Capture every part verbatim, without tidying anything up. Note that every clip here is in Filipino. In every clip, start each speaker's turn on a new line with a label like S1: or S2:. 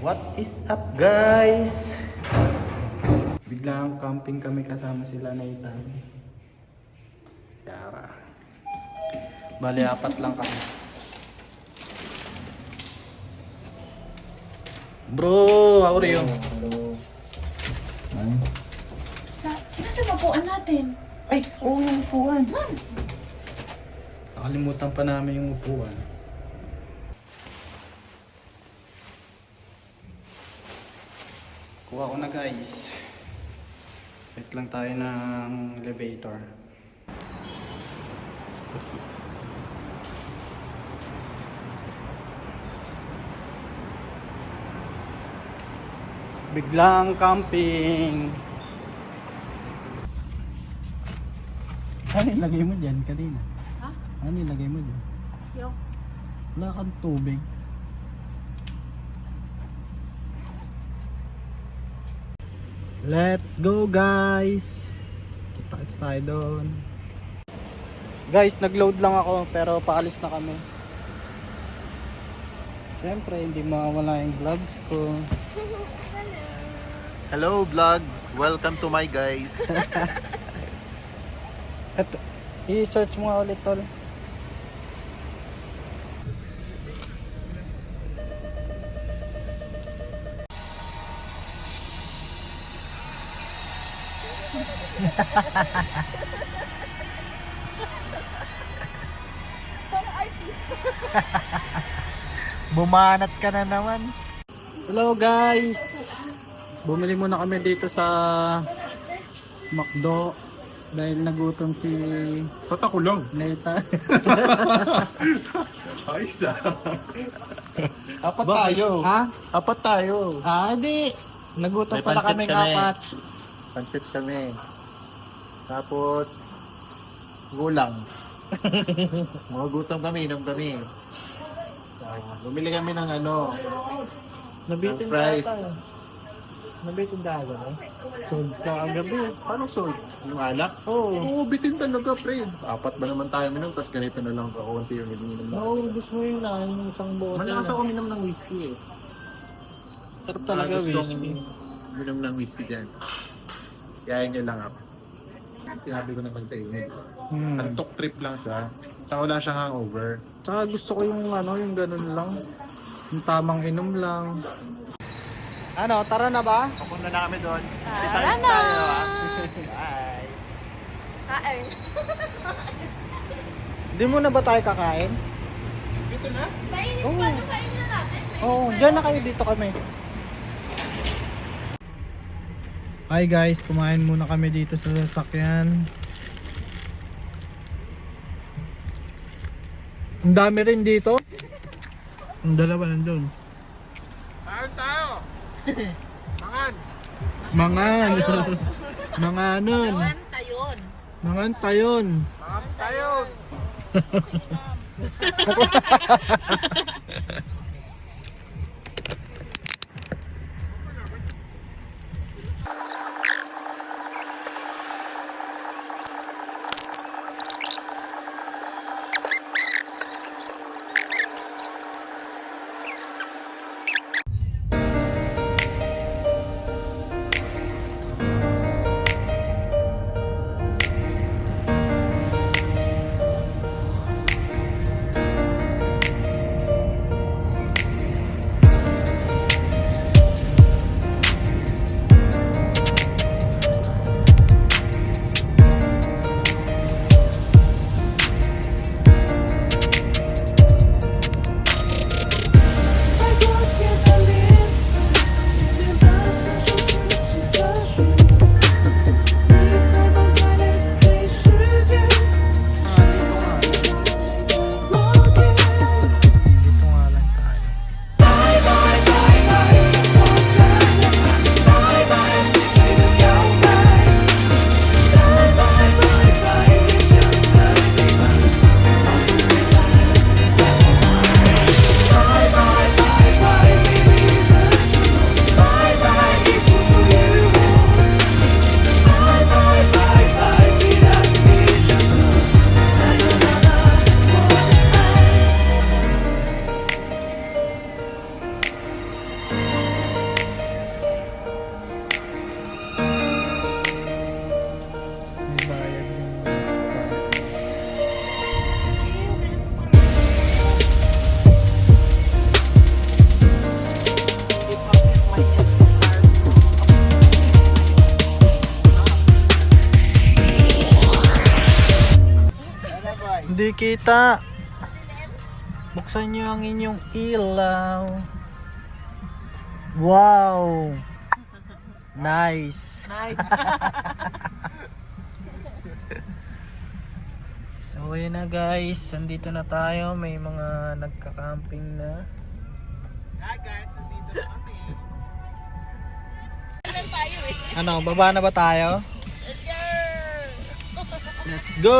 S1: What is up, guys? Biglang camping kami kasama sila Nathan, si Ara. Bali, apat lang kami. Bro, how are you?
S2: Hello.
S1: Ay,
S3: Sa, nasa mapuan natin?
S1: Ay oo, yung upuan. Nakalimutan pa namin yung upuan. Kuha ko na, guys. Wait lang tayo ng elevator. Biglang camping. Ano ilagay mo dyan kanina?
S3: Ha?
S1: Ano ilagay mo dyan?
S3: Yo.
S1: Wala kang tubig. Let's go, guys. Kita-kits tayo doon. Guys, nag-load lang ako pero paalis na kami. Siyempre, hindi mawawala yung vlogs ko.
S2: Hello vlog. Welcome to my guys.
S1: At i-search mo nga ulit, tol.
S2: Bumanat ka na naman.
S1: Hello, guys. Bumili muna kami dito sa McDo dahil nagutom si
S2: Ba't ako lang?
S1: Nathan.
S2: Ayos ah. Apat
S1: Bakit?
S2: tayo.
S1: Ha?
S2: Apat tayo.
S1: Ah, di. Nagutom
S2: May
S1: pala
S2: pansit
S1: kami
S2: kami.
S1: apat.
S2: Pansit kami. Tapos gulang. Mga gutom kami, inom kami. Ah, bumili kami ng ano,
S1: Nabitin
S2: ng fries.
S1: tayo. Nabitin tayo, no? Sold ka ang gabi.
S2: Paano sold? Yung alak?
S1: Oo.
S2: Oo, bitin talaga, pre. Apat ba naman tayo minom, tapos ganito na lang kakunti yung ininom na.
S1: Naubos mo yun na, yung isang bote.
S2: Malakas
S1: na.
S2: ako minom ng whiskey eh.
S1: Sarap talaga,
S2: Ah, gustong
S1: whiskey.
S2: minom ng whiskey dyan. Kaya nyo lang ako. Sinabi ko naman sa inyo.
S1: Hmm.
S2: Antok trip lang siya. Tsaka wala siyang hangover.
S1: Tsaka gusto ko yung ano, yung ganun lang. Yung tamang inom lang. Ano, tara na ba?
S2: Papunta na kami doon.
S3: Tara na!
S2: Bye!
S3: Kain.
S1: Hindi mo na ba tayo kakain?
S2: Dito na?
S3: Mainit
S1: Oo.
S3: pa, kain na natin.
S1: Oo, dyan na kayo, dito kami. Hi guys, kumain muna kami dito sa sasakyan. Ang dami rin dito. Ang dalawa nandun.
S2: Saan tayo? Mangan!
S1: Mangan. Manganon.
S3: Nawan tayon.
S1: Mangan tayon.
S2: Mangan tayo!
S1: kita. Buksan nyo ang inyong ilaw. Wow! Nice!
S3: Nice.
S1: So ayun na guys, andito na tayo. May mga nagka-camping na.
S2: Hi guys, nandito na kami.
S3: Ilan tayo eh.
S1: Ano, baba na ba tayo?
S3: Let's go!
S1: Let's go!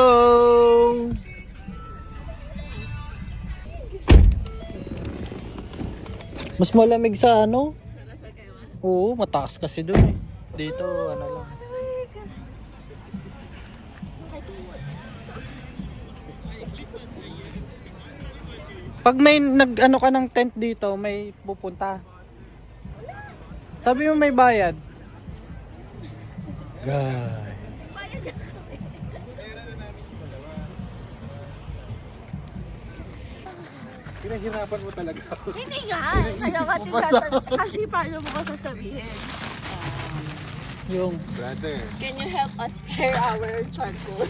S1: Mas malamig sa ano? Oo, mataas kasi doon eh. Dito, ano lang. Pag may nag-ano ka ng tent dito, may pupunta. Sabi mo may bayad. Guys.
S2: Pinahirapan mo talaga ako.
S3: Hindi nga. Kaya kasi, sasa- kasi paano mo ko sasabihin?
S1: Yung,
S2: Brother.
S3: Can you help us spare our charcoal?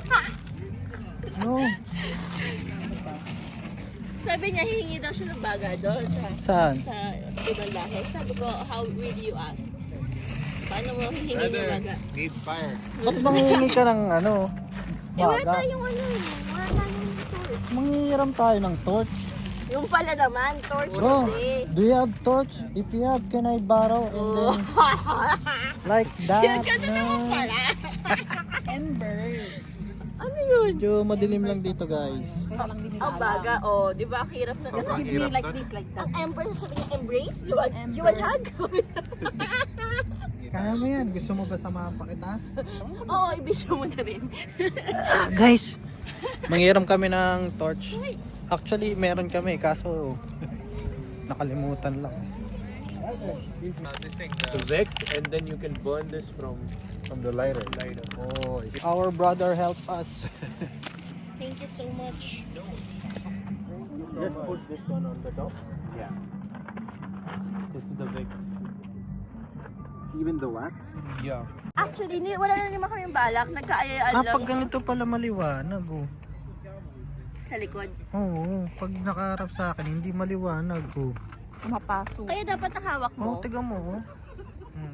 S1: no.
S3: Sabi niya, hihingi daw siya ng baga doon sa,
S1: Saan?
S3: sa ibang lahi. Sabi ko, how will you ask? Paano mo hihingi ng
S2: Brother,
S3: baga?
S2: need fire.
S1: Ba't manghihingi ka ng ano?
S3: Eh, wala
S1: Baga?
S3: tayong ano eh. Wala tayong torch.
S1: Manghihiram tayo ng torch.
S3: Yung pala naman, torch
S1: Bro,
S3: kasi.
S1: do you have torch? If you have, can I borrow? And
S3: Oh.
S1: then, like that.
S3: Yun, ganun naman
S1: no.
S3: pala. Embers. Ano yun?
S1: Medyo madilim lang dito guys.
S3: Ang baga, oh. Di ba? Ang hirap na
S2: Sobrang
S3: gano'n.
S2: hirap
S3: like
S2: nun.
S3: this, like that. Ang ember, sabi niya, embrace? You want, you want hug?
S1: Kaya mo yan. Gusto mo ba samahan pa kita?
S3: Oo, ibisyo mo na rin.
S1: Ah, guys, manghiram kami ng torch. Actually, meron kami. Kaso, nakalimutan lang.
S2: Uh, this thing, uh,
S4: The Vex, and then you can burn this from
S2: from the lighter. Lighter. Oh,
S1: Our brother helped us.
S3: Thank you so much.
S4: just put this one on the top.
S2: yeah.
S4: This is the Vex.
S2: Even the wax?
S4: Yeah.
S3: Actually, ni, wala na naman kaming balak. Nagkaayaan
S1: Ah,
S3: lang
S1: pag ganito pala maliwanag oh.
S3: sa likod.
S1: Oo, pag nakaharap sa akin, hindi maliwanag oh.
S3: Mapasok. Kaya dapat nakahawak
S1: Oh,
S3: mo.
S1: tiga mo oh. Hmm.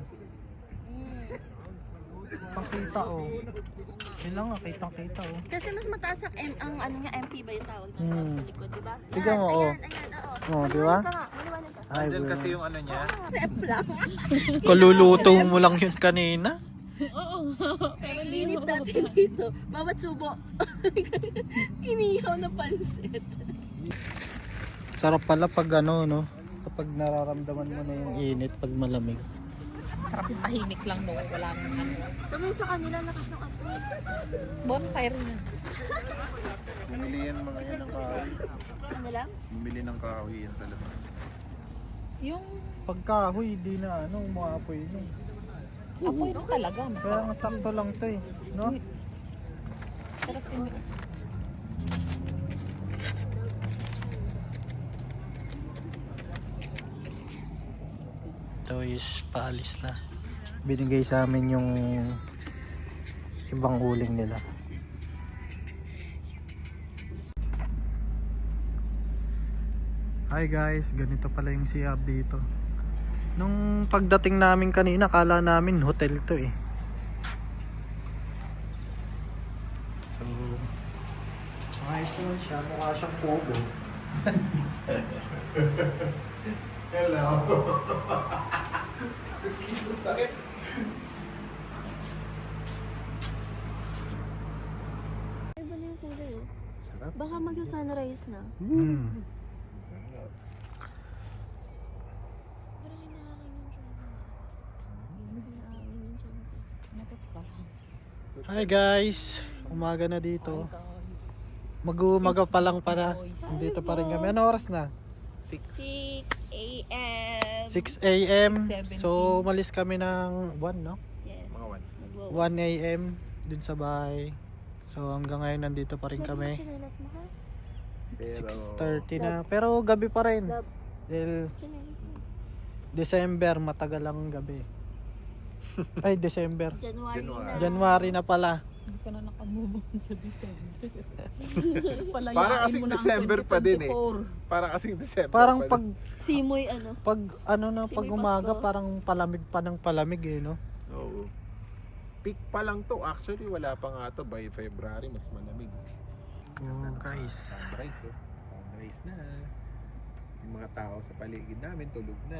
S1: Pakita oh. Kailangan nga, kitang-kita oh.
S3: Kasi mas mataas ang, M, ang ano nga, M P ba yung tawag doon
S1: Hmm.
S3: sa likod, di ba?
S1: Tignan mo, oh.
S3: Ayan, ayan, oo.
S1: Oh, di ba?
S3: Maliwanag ka nga, maliwanag ka.
S1: Ay,
S2: Andyan
S1: bro.
S2: kasi yung ano niya.
S3: Rep lang.
S1: Kaluluto mo lang yun kanina.
S3: Oo. Pero linip natin dito. Bawat subo. Inihaw na pansit.
S1: Sarap pala pag ano, no? Kapag nararamdaman mo na yung init pag malamig.
S5: Sarap yung tahimik lang no, wala nang ano.
S3: Sabi sa kanila, lakas ng apoy.
S5: Bonfire yun.
S2: Bumili yan mga yan ng kahoy.
S3: Ano lang?
S2: Bumili ng kahoy yan sa labas.
S5: Yung
S1: Pagkahoy, di na ano, umaapoy no.
S5: apoy lang talaga,
S1: Kaya
S5: masarap.
S1: nga sakto lang to eh, no?
S5: Sarap yung
S1: Ito is paalis na. Binigay sa amin yung ibang uling nila. Hi guys, ganito pala yung C R dito. Nung pagdating namin kanina, kala namin hotel to eh. So, ayos naman siya. Mukha siyang pogo.
S2: Hello. Sakit.
S3: Iba na yung kulay oh.
S2: Sarap.
S3: Baka mag-sunrise na.
S1: Mm.
S3: Pero hinahangin yung Hinahangin yung
S1: Hi guys, umaga na dito. Mag-umaga pa lang para. Dito pa rin kami. Ano oras na?
S2: Six.
S3: six a.m.
S1: six a.m.
S5: six seventeen.
S1: So, umalis kami ng one, no?
S3: Yes.
S2: Mga one.
S3: Magwa-
S1: one a.m. dun sa bahay. So, hanggang ngayon nandito pa rin kami.
S3: Chinelas mo ha?
S1: six thirty na. Pero gabi pa rin.
S3: Love.
S1: Dahil
S3: Chinelas mo.
S1: December, matagal ang gabi. Ay, December.
S3: January,
S2: January.
S3: na.
S1: January na pala.
S5: Hindi ka na nakamove on sa December.
S2: Para kasing December pa din eh. Para kasing December
S1: Parang
S2: pa
S1: pag,
S2: din.
S3: Simoy ano.
S1: pag, ano na, pag
S3: Simoy
S1: umaga,
S3: Pasko.
S1: parang palamig pa ng palamig eh, no?
S2: Oo. Peak pa lang to. Actually, wala pa nga to. By February, mas malamig.
S1: Oh, guys.
S2: Sunrise, oh. Sunrise na. Yung mga tao sa paligid namin, tulog na.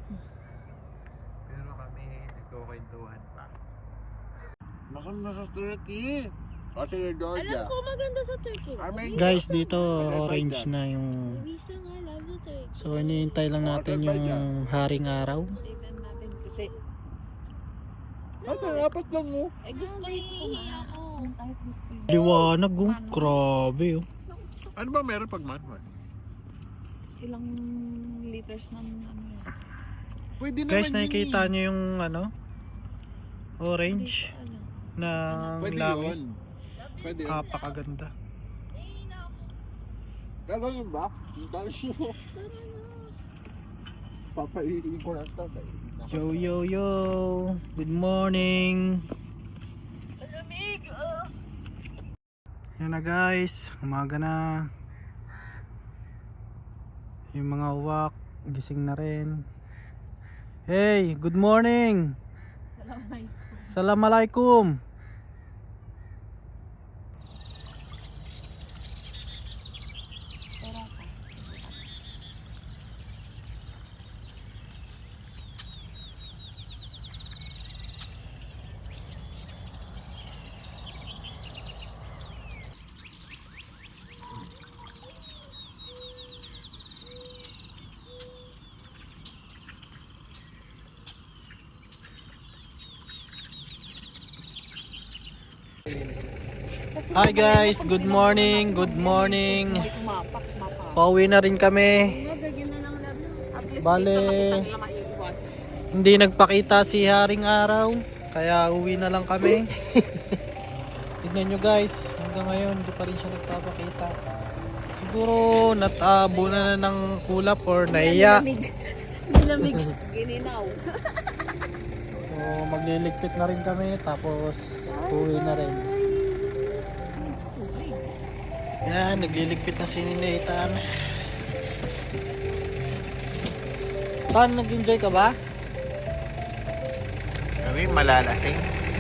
S2: Pero kami, nagkukwentuhan pa. Maganda sa Turkey. Kasi yung Georgia.
S3: Alam ko maganda sa Turkey.
S2: Armenia.
S1: Guys, dito orange na yung...
S3: Visa nga, love sa Turkey.
S1: So, iniintay lang natin yung haring araw.
S5: Tingnan natin kasi
S2: Ay, dapat lang mo.
S5: eh gusto hihingi ako. Kahit gusto yun.
S1: Liwanag, oh. Grabe, oh.
S2: Ano ba meron pag manual?
S5: Ilang liters ng ano.
S2: Pwede naman
S1: Guys,
S2: yun
S1: nakikita
S2: eh.
S1: nyo yung ano? Orange
S5: Ano.
S1: ng
S2: Pwede
S1: langit.
S2: yun. Pwede yun.
S1: Kapakaganda.
S2: Gagawin ba? Dahil mo. Papaiin ko lang ito.
S1: Yo, yo, yo. Good morning. Yan na guys. Umaga na. Yung mga uwak. Gising na rin. Hey, good morning.
S5: Assalamualaikum.
S1: Assalamualaikum. Hi guys, good morning, good morning.
S5: Mapak, mapak.
S1: Pauwi na rin kami. Bale, hindi nagpakita si Haring Araw, kaya uwi na lang kami. Tignan nyo guys, hanggang ngayon hindi pa rin siya nagpapakita. Siguro natabo na na ng kulap or naiya.
S3: Nilamig.
S5: Gininaw.
S1: So magliligpit na rin kami, tapos uwi na rin. Yan, nagliligpit na si Nathan. Saan, nag-enjoy ka ba?
S2: Kami malalasing.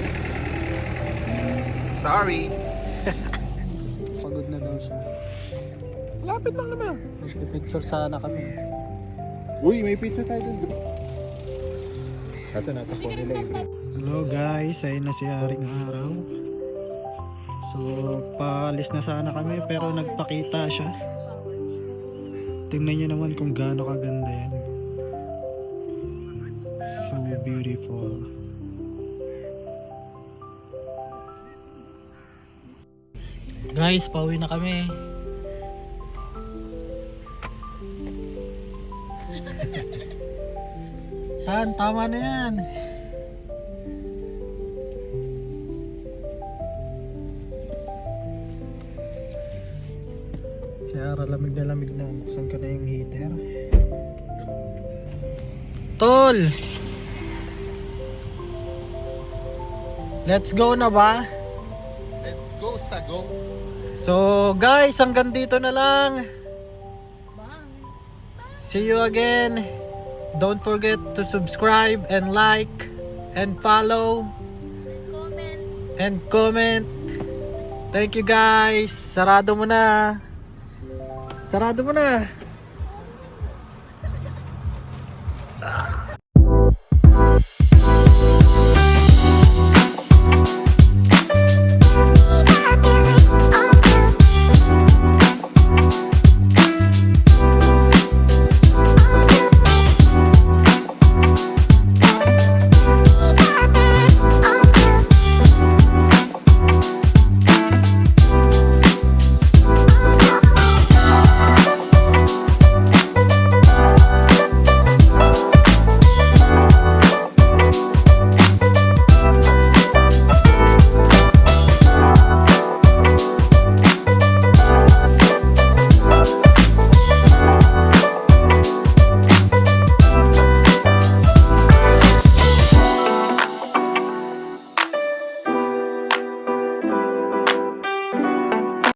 S2: Sorry.
S1: Pagod na daw siya.
S2: Lapit lang naman.
S1: Nagpipicture sana kami.
S2: Uy, may pizza tayo dun. Kasi nasa phone nila eh.
S1: Hello guys, ayun na si Haring Araw. So, paalis na sana kami pero nagpakita siya. Tingnan niyo naman kung gaano kaganda yan. So beautiful. Guys, pauwi na kami. Tan, tama na yan. Si Ara, lamig na lamig na. Buksan ko na yung heater. Tol! Let's go na ba?
S2: Let's go, Sagong.
S1: So guys, hanggang dito na lang. See you again. Don't forget to subscribe and like and follow
S3: Comment.
S1: and comment. Thank you guys. Sarado mo na. Sarado mo na.